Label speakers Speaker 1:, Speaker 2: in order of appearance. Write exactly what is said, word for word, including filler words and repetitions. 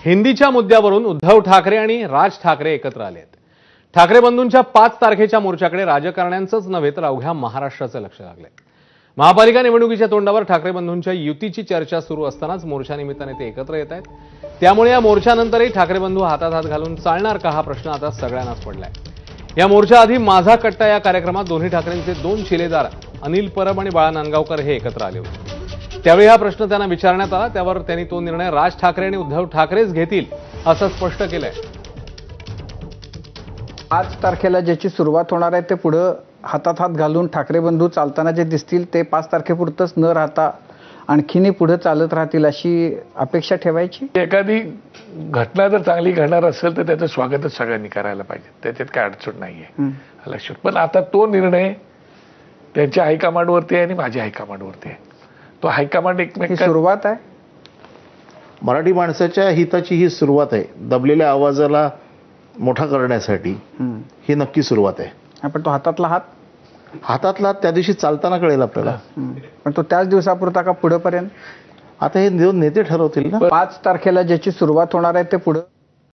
Speaker 1: हिंदीच्या मुद्द्यावरून उद्धव ठाकरे आणि राज ठाकरे एकत्र आले आहेत। ठाकरे बंधूंच्या पाच तारखेच्या मोर्चाकडे राजकारण्यांचंच नव्हे तर अवघ्या महाराष्ट्राचं लक्ष लागलंय। महापालिका निवडणुकीच्या तोंडावर ठाकरे बंधूंच्या युतीची चर्चा सुरू असतानाच मोर्चा निमित्ताने ते एकत्र येत आहेत। त्यामुळे या मोर्चानंतरही ठाकरे बंधू हातात हात घालून चालणार का हा प्रश्न आता सगळ्यांनाच पडलाय। या मोर्चाआधी माझा कट्टा या कार्यक्रमात दोन्ही ठाकरेंचे दोन शिलेदार अनिल परब आणि बाळा नांदगावकर हे एकत्र आले होते। त्यावेळी हा प्रश्न त्यांना विचारण्यात आला, त्यावर त्यांनी तो निर्णय राज ठाकरे आणि उद्धव ठाकरेच घेतील असं स्पष्ट केलंय।
Speaker 2: पाच तारखेला ज्याची सुरुवात होणार आहे ते पुढे हातात हात घालून ठाकरे बंधू चालताना जे दिसतील ते पाच तारखेपुरतच न राहता आणखीनही पुढे चालत राहतील अशी अपेक्षा ठेवायची।
Speaker 3: एखादी घटना जर चांगली घडणार असेल तर त्याचं स्वागतच सगळ्यांनी करायला पाहिजे, त्याच्यात काय अडचण नाहीये लक्षात। पण आता तो निर्णय त्यांच्या हायकमांडवरती आहे आणि माझ्या हायकमांडवरती आहे। तो हायकमांड एकमेक
Speaker 2: सुरुवात आहे,
Speaker 4: मराठी माणसाच्या हिताची ही सुरुवात आहे। दबलेल्या आवाजाला मोठा करण्यासाठी ही नक्की सुरुवात आहे।
Speaker 2: पण तो हातातला हात
Speaker 4: हातातला हात त्या दिवशी चालताना कळेल आपल्याला,
Speaker 2: पण तो त्याच दिवसापुरता का पुढेपर्यंत?
Speaker 4: आता हे दोन नेते ठरवतील ना।
Speaker 2: पाच तारखेला ज्याची सुरुवात होणार आहे ते पुढे